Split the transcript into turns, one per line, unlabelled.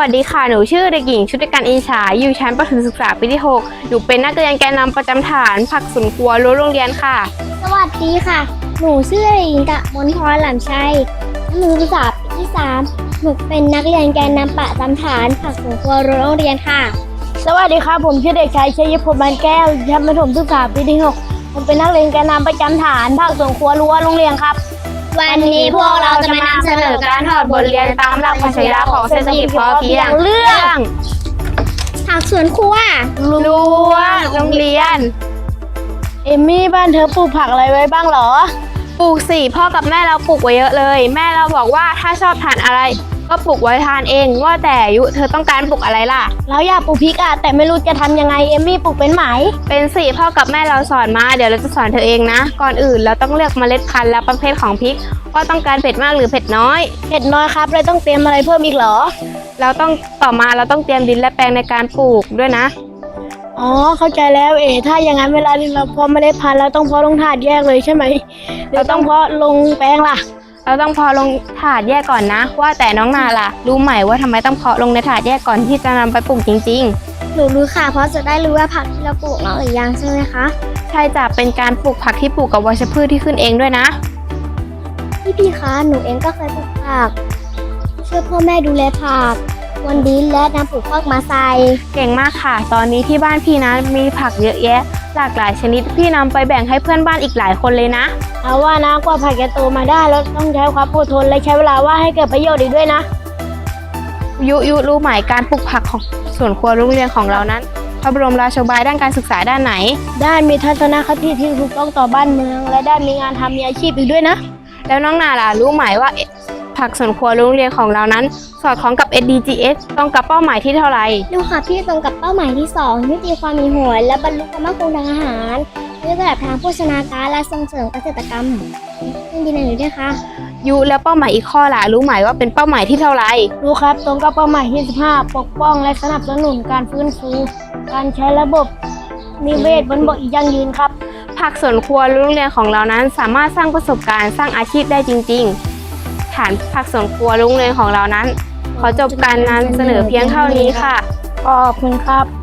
สดีค่ะหนูชื่อเด็กหญิงชุติการอินฉายอยู่ชั้นประถมศึกษาปีที่6หนูเป็นนักเรียนแกนนำประจำฐานผักสวนครัวรั้วโรงเรียนค่ะ
สวัสดีค่ะ หนูชื่อเด็กหญิงกมลพรหลำชัยหนูศึกษาปีที่3หนูเป็นนักเรียนแกนนำประจำฐานผักสวนครัวรั้วโรงเรียนค่ะ
สวัสดีครับผมชื่อเด็กชายชัยพลบานแก้วชั้นประถมศึกษาปีที่6ผมเป็นนักเรียนแกนนำประจำฐานภาคสวนครัวรั้วโรงเรียนครับ
วันนี้พวกเราจะมานำเสนอการถอดบทเรียนตามหลักปรัชญาของเศรษฐกิจพอเพียง
เรื่อง
ผักสวนครัว
รั้วโรงเรียน
เอมมี่บ้านเธอปลูกผักอะไรไว้บ้างเหรอ
ปลูกสิพ่อกับแม่เราปลูกไว้เยอะเลยแม่เราบอกว่าถ้าชอบทานอะไรก็ปลูกไว้ทานเองว่าแต่ยุเธอต้องการปลูกอะไรล่ะ
เราอยากปลูกพริกอะแต่ไม่รู้จะทำยังไงเอมมี่ปลูกเป็นไหม
เป็นสิพ่อกับแม่เราสอนมาเดี๋ยวเราจะสอนเธอเองนะก่อนอื่นเราต้องเลือกเมล็ดพันธุ์และประเภทของพริกว่าต้องการเผ็ดมากหรือเผ็ดน้อย
เผ็ดน้อยครับเลยต้องเตรียมอะไรเพิ่มอีกเหรอ
เราต้องเราต้องเตรียมดินและแปลงในการปลูกด้วยนะ
อ๋อเข้าใจแล้วถ้าอย่างนั้นเวลาที่เราเพาะเมล็ดพันธุ์เราต้องเพาะลงถาดแยกเลยใช่ไหมเราต้องเพาะลงแปลงล่ะ
เราต้องเพาะลงถาดแยกก่อนนะว่าแต่น้องนาล่ะรู้ไหมว่าทำไมต้องเพาะลงในถาดแยกก่อนที่จะนำไปปลูกจริง
ๆหนูรู้ค่ะเพราะจะได้รู้ว่าผักที่เราปลูกเนาะหรือยังใช่ไหมคะ
ใช่จ้ะเป็นการปลูกผักที่ปลูกกับวัชพืชที่ขึ้นเองด้วยนะ
พี่คะหนูเองก็เคยปลูกผักช่วยพ่อแม่ดูแลผักวันดินและนำปลูกพอกมาใส่
เก่งมากค่ะตอนนี้ที่บ้านพี่นะมีผักเยอะแยะหลากหลายชนิดพี่นำไปแบ่งให้เพื่อนบ้านอีกหลายคนเลยนะ
เอาว่านะกว่าผักจะโตมาได้แล้วต้องใช้ความอดทนและใช้เวลาว่าให้เกิดประโยชน์อีกด้วยนะ
ยุรู้ไหมการปลูกผักของสวนครัวโรงเรียนของเรานั้นพระบรมราโชบายด้านการศึกษาด้านไหน
ได้มีทัศนคติที่ถูกต้องต่อบ้านเมืองและได้มีงานทำมีอาชีพอีกด้วยนะ
แล้วน้องนาล่ะรู้ไหมว่าผักสวนครัวโรงเรียนของเรานั้นสอดคล้องกับ SDGs ตรงกับเป้าหมายที่เท่าไหร่
ดูค่ะพี่ตรงกับเป้าหมายที่2ยุติความมีหวยและบรรลุความมั่นคงทางอาหารด้วยระดับทางโภชนาการและส่งเสริมเกษตรกรรมยินดีด้วยค่ะ
ยุแล้วเป้าหมายอีกข้อล่ะรู้ไหมว่าเป็นเป้าหมายที่เท่าไหร่
รู้ครับตรงกับเป้าหมายที่15ปกป้องและสนับสนุนการฟื้นฟูการใช้ระบบนิเวศบนบกอีกยั่งยืนครับ
ผักสวนครัวโรงเรียนของเรานั้นสามารถสร้างประสบการณ์สร้างอาชีพได้จริงๆฐานผักสวนครัวโรงเรียนของเรานั้นขอจบการนำเสนอเพียงเท่านี้ค่ะ
ขอบคุณครับ